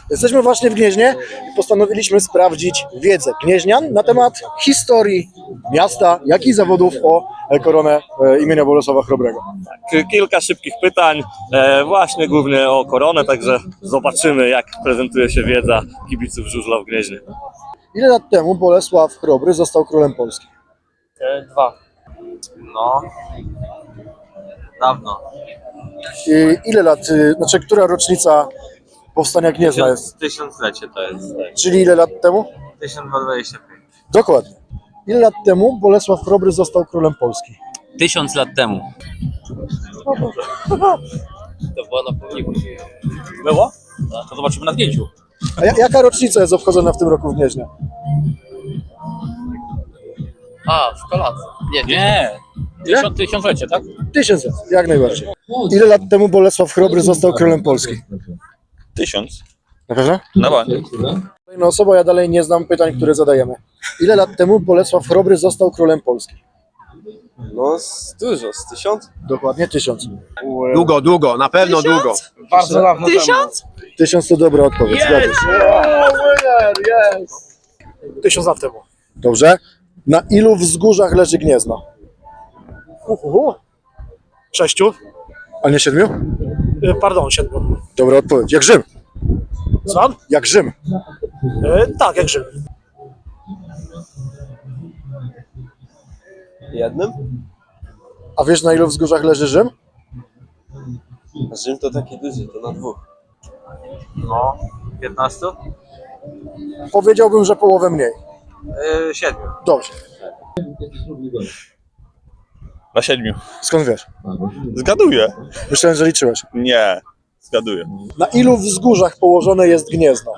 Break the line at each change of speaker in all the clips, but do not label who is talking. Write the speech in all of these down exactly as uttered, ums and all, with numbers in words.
Jesteśmy właśnie w Gnieźnie i postanowiliśmy sprawdzić wiedzę gnieźnian na temat historii miasta, jak i zawodów o koronę e, imienia Bolesława Chrobrego.
Kilka szybkich pytań, e, właśnie głównie o koronę, także zobaczymy, jak prezentuje się wiedza kibiców żużla w Gnieźnie.
Ile lat temu Bolesław Chrobry został królem Polski?
E, dwa. No. Dawno.
I ile lat, y, znaczy która rocznica powstania Gniezna jest?
Tysiąclecie to jest. Tak.
Czyli ile lat temu?
tysiąc dwieście dwadzieścia pięć.
Dokładnie. Ile lat temu Bolesław Chrobry został królem Polski?
Tysiąc lat temu.
To było na pomniku.
Było? To zobaczymy na zdjęciu.
A ja, jaka rocznica jest obchodzona w tym roku w Gnieźnie?
A, w kolacji. Nie,
Nie.
Ile?
Tysiąc, tysiąclecie, tak?
Tysiąc lat, jak najbardziej. Ile lat temu Bolesław Chrobry został królem Polski?
Tysiąc.
Na pewno?
Na bank.
Kolejna osoba, ja dalej nie znam pytań, które zadajemy. Ile lat temu Bolesław Chrobry został królem Polski?
No z dużo, z tysiąc?
Dokładnie tysiąc.
Długo, długo, na pewno długo.
Bardzo dawno
Tysiąc?
Tysiąc to dobra odpowiedź, zgadza się.
Tysiąc lat temu.
Dobrze. Na ilu wzgórzach leży Gniezno?
Uhu. Sześciu.
A nie siedmiu?
E, pardon, siedmiu.
Dobra odpowiedź. Jak Rzym.
Słucham?
Jak Rzym.
E, tak, jak Rzym.
Jednym?
A wiesz, na ilu wzgórzach leży Rzym?
A Rzym to taki duży, to na dwóch.
No. piętnastu?
Powiedziałbym, że połowę mniej.
E, siedmiu.
Dobrze.
Na siedmiu.
Skąd wiesz?
Zgaduję.
Myślałem, że liczyłeś.
Nie, zgaduję.
Na ilu wzgórzach położone jest Gniezno?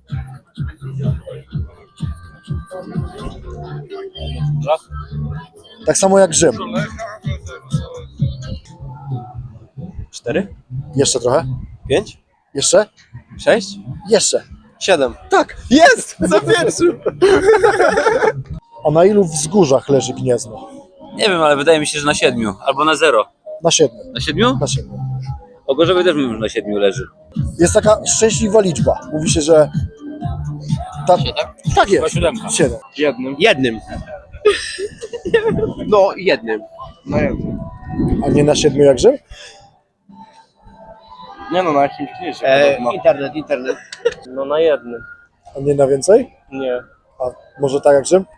Tak samo jak Rzym.
Cztery?
Jeszcze trochę?
Pięć?
Jeszcze?
Sześć?
Jeszcze.
Siedem.
Tak.
Jest! Za pierwszym!
A na ilu wzgórzach leży Gniezno?
Nie wiem, ale wydaje mi się, że na siedmiu. Albo na zero.
Na siedmiu.
Na siedmiu?
Na siedmiu.
O Gorzowie też mówimy, że na siedmiu leży.
Jest taka szczęśliwa liczba. Mówi się, że... Ta... Tak
Chyba
jest.
siódemka.
Siedem.
Jednym. Jednym. No, jednym. No jednym.
A nie na siedmiu jak Rzym?
Nie no, na jakimś mniejszym.
E, internet, internet.
No na jednym.
A nie na więcej?
Nie.
A może tak jak Rzym?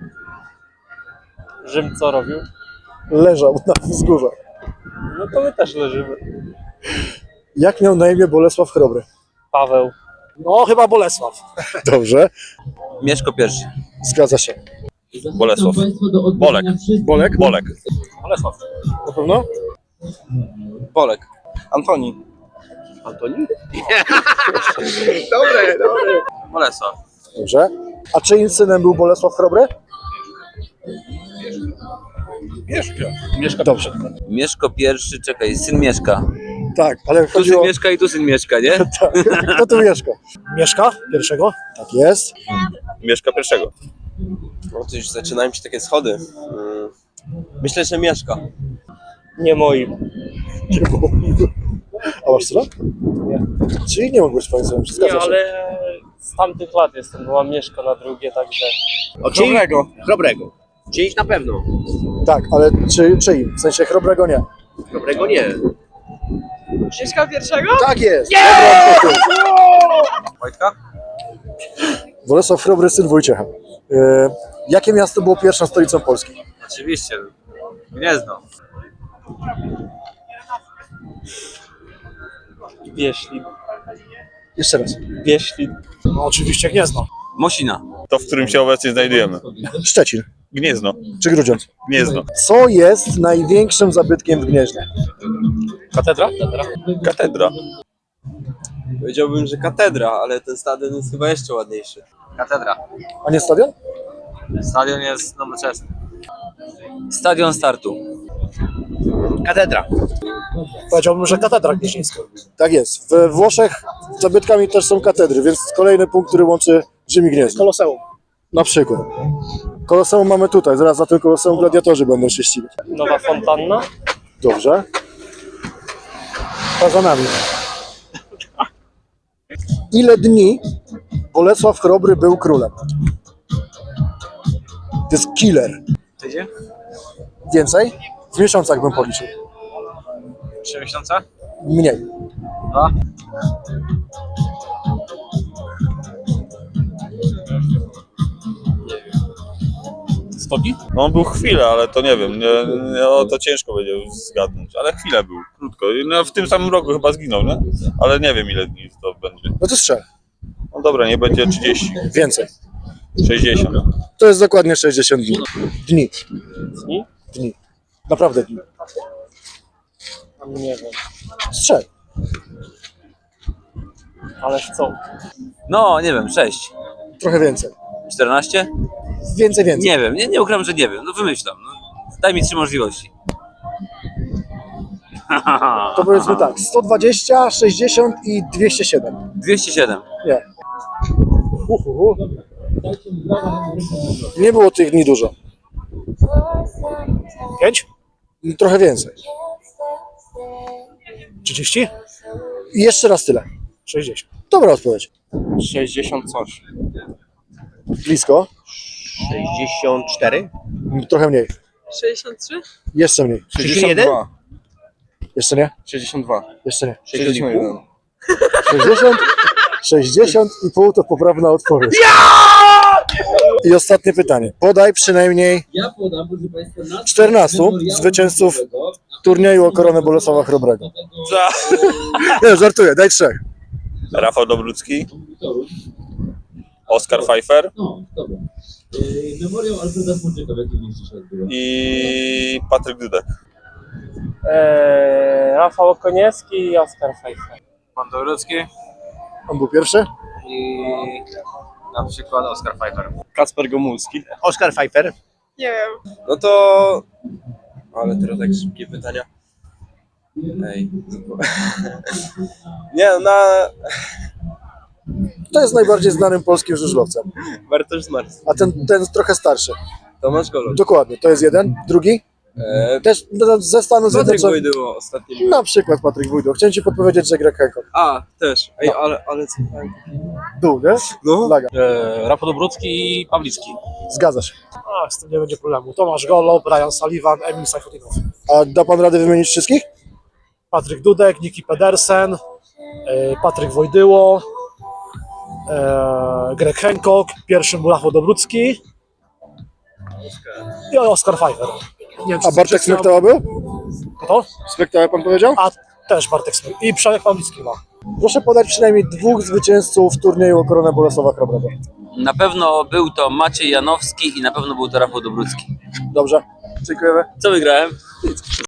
Rzym co robił?
Leżał na wzgórzach.
No to my też leżymy.
Jak miał na imię Bolesław Chrobry?
Paweł. No chyba Bolesław.
Dobrze.
Mieszko pierwszy.
Zgadza się.
Bolesław. Bolek.
Bolek?
Bolek.
Bolesław.
Na pewno?
Bolek. Antoni. Antoni? dobre, dobre.
Bolesław.
Dobrze. A czyim synem był Bolesław Chrobry?
Mieszka
Dobrze.
Mieszko pierwszy, czekaj, syn Mieszka.
Tak, ale
Tu syn
chodziło...
Mieszka i tu syn Mieszka, nie?
Tak. Kto tu mieszka?
Mieszka? Pierwszego?
Tak jest.
Mieszka pierwszego.
No to już zaczynają się takie schody. Mm. Myślę, że mieszka.
Nie moim.
A masz syna? Nie. Czyli nie mógł być twoim synem,
Nie,
zgadza się.
ale z tamtych lat jestem, była Mieszka na drugie, także...
Chrobrego. Chrobrego. Czyjś na pewno.
Tak, ale czy, czyim? W sensie Chrobrego nie.
Chrobrego nie.
Mieszka pierwszego?
Tak jest! Dobra odpowiedź.
Wojtka?
Bolesław Chrobry, syn Wojciecha. E, jakie miasto było pierwszą stolicą Polski?
Oczywiście. Gniezno. Wieślin.
Jeszcze raz.
Wieślin. No oczywiście Gniezno.
Mosina.
To, w którym się obecnie znajdujemy.
Szczecin
Gniezno.
czy Grudziądz?
Gniezno.
Co jest największym zabytkiem w Gnieźnie?
Katedra? Katedra.
Katedra.
Powiedziałbym, że katedra, ale ten stadion jest chyba jeszcze ładniejszy.
Katedra.
A nie stadion?
Stadion jest nowoczesny.
Stadion startu.
Katedra.
Powiedziałbym, że katedra gnieźnieńska.
Tak jest. We Włoszech zabytkami też są katedry, więc kolejny punkt, który łączy Rzym i Gniezno.
Koloseum.
Na przykład. Koloseum mamy tutaj, zaraz za tym Koloseum gladiatorzy będą się ścigać.
Nowa fontanna.
Dobrze. To za nami. ile dni Bolesław Chrobry był królem? To jest killer.
Tydzień?
Więcej? W miesiącach bym policzył.
Trzy miesiące?
Mniej.
Dwa?
sto dni? No on był chwilę, ale to nie wiem, nie, nie, no, to ciężko będzie zgadnąć, ale chwilę był, krótko. No, w tym samym roku chyba zginął, nie? Ale nie wiem ile dni to będzie.
No to strzel.
No dobra, nie będzie trzydzieści,
Więcej.
sześćdziesiąt.
To jest dokładnie sześćdziesiąt dni. Dni.
Dni?
Dni. Naprawdę dni.
Nie wiem.
Strzel.
Ale w co?
No, nie wiem, sześć.
Trochę więcej.
czternaście?
Więcej, więcej.
Nie wiem, nie, nie ukrywam, że nie wiem. No wymyślam. No. Daj mi trzy możliwości.
To powiedzmy tak, sto dwadzieścia, sześćdziesiąt i dwieście siedem.
dwieście siedem.
Nie. Uhuhu. Nie było tych dni dużo. Pięć? Trochę więcej. trzydzieści? I jeszcze raz tyle. sześćdziesiąt. Dobra odpowiedź.
sześćdziesiąt coś.
Blisko.
sześćdziesiąt cztery?
Trochę mniej.
sześćdziesiąt trzy?
Jeszcze mniej.
sześćdziesiąt jeden?
Jeszcze nie?
sześćdziesiąt dwa.
Jeszcze nie.
sześćdziesiąt jeden.
sześćdziesiąt, sześćdziesiąt i pół to poprawna odpowiedź. I ostatnie pytanie. Podaj przynajmniej czternastu zwycięzców turnieju o koronę Bolesława Chrobrego. Nie, żartuję, daj trzech.
Rafał Dobrucki, Oskar Pfeiffer
Memoriał Alfreda Furczyka w jakim mieście się odbywa?
i Patryk Dudek.
Eee, Rafał Okoniewski i Oskar Pfeiffer.
Pan Dobrucki
On był pierwszy?
i na przykład Oskar Pfeiffer.
Kacper Gomulski. Oskar Pfeiffer.
Nie wiem.
No to... Ale teraz tak szybkie pytania. Ej. Nie, na...
To jest najbardziej znanym polskim żużlowcem.
Bartosz Zmarz.
A ten, ten jest trochę starszy.
Tomasz Golub.
Dokładnie, to jest jeden. Drugi?
Eee,
Też no, ze Stanów
Patryk
Zjednoczonych.
Wojdyło ostatnio. był.
Na przykład Patryk Wójdo. Chciałem ci podpowiedzieć, że Greg Hancock.
A, też. Ej, ale, ale co?
Był, nie?
No.
Laga.
Eee, Rafał Dobrucki i Pawlicki.
Zgadza się.
A, z tym nie będzie problemu. Tomasz Golo, Brian Sullivan, Emil Sajfutinow.
A da pan radę wymienić wszystkich?
Patryk Dudek, Niki Pedersen, e, Patryk Wojdyło, e, Greg Hancock, pierwszym był Rafał Dobrucki i Oskar Pfeiffer. Nie wiem, czy-
A Bartek
czy-
Smektała był?
Kto?
Smektała pan powiedział?
A też Bartek Smek. I Przemek Pawlicki ma.
Proszę podać przynajmniej dwóch zwycięzców turnieju o koronę Bolesława Chrobrego.
Na pewno był to Maciej Janowski i na pewno był to Rafał Dobrucki.
Dobrze, dziękujemy.
Co wygrałem?